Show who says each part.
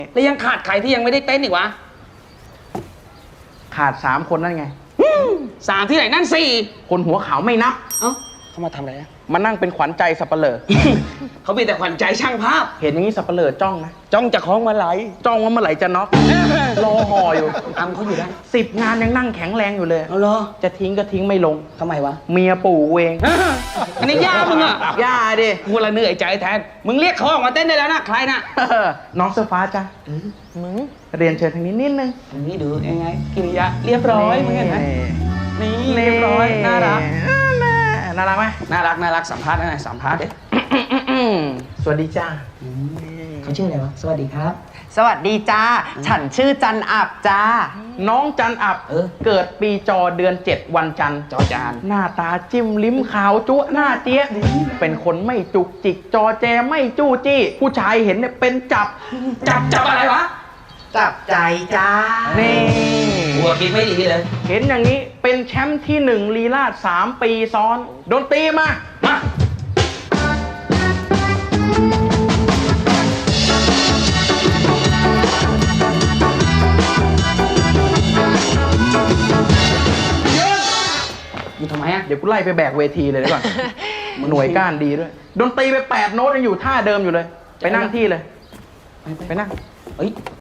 Speaker 1: แล้วยังขาดใครที่ยังไม่ได้เต้นอีกวะ
Speaker 2: ขาด3 คนนั่นไง
Speaker 1: 3ที่ไหนนั่น4
Speaker 2: คนหัวขาวไม่นับ
Speaker 1: เอ้าเขามาทำอะไรอะ
Speaker 2: มานั่งเป็นขวัญใจสับเปลือ
Speaker 1: เขามีแต่ขวัญใจช่างภาพ
Speaker 2: เห็นอย่างนี้สับเปลือจ้องนะ
Speaker 1: จ้องจะคล้องมาไหล
Speaker 2: จ้องว่าเมื่อไหร่จะน็อกรอห่ออยู่
Speaker 1: อำเขาอยู่ได้
Speaker 2: 10 งานยังนั่งแข็งแรงอยู่เลย
Speaker 1: เอาเหรอ
Speaker 2: จะทิ้งก็ทิ้งไม่ลง
Speaker 1: ทำไมวะ
Speaker 2: เมียปู่กูเอง
Speaker 1: อันนี้ย่ามึงอะ
Speaker 2: ย่าดิ
Speaker 1: กูละเหนื่อยใจแทน มึงเรียกเขาออกมาเต้นได้แล้วนะ ใครนะ
Speaker 2: น้องเสื้อฟ้าจ้ะมึงเรียนเชิญทางนี้นิดนึง
Speaker 1: อันนี้ดูยังไงกิริยาเรียบร้อยมึงเห็นไหมนี่เรียบร้อยน่ารัก
Speaker 2: น่ารักไหม
Speaker 1: น่ารักสัมภาษณ์หน่อยสัมภาษณ์ดิ
Speaker 2: สวัสดีจ้า
Speaker 1: เขาชื่ออะไรวะสวัสดีครับ
Speaker 3: สวัสดีจ้า ฉันชื่อจันอับจ้า
Speaker 2: น้องจันอับ เกิดปีจอเดือน 7 วันจันทร์
Speaker 1: จอจาน
Speaker 2: หน้าตาจิ้มลิ้มขาวจุ๊หน้าเจี๊ยะเป็นคนไม่จุกจิกจอแจไม่จู้จี้ ผู้ชายเห็นเนี่ยเป็นจับ
Speaker 1: จับอะไรวะ
Speaker 3: จับใจจ้า
Speaker 2: นี่
Speaker 1: หัวคิดไม่ดีเลย
Speaker 2: เห็นอย่างนี้เป็นแชมป์ที่ 1 ลีลาศ3 ปีซ้อนดนตรีมา
Speaker 1: มา อยู่ทำไมอะ
Speaker 2: เดี๋ยวกูไล่ไปแบกเวทีเลยดีกว่า หน่วยก้านดีด้วย ดนตรีไป8 โน้ตยังอยู่ท่าเดิมอยู่เลย ไปนั่งที่เลย ไปนั่ง
Speaker 1: เฮ้ย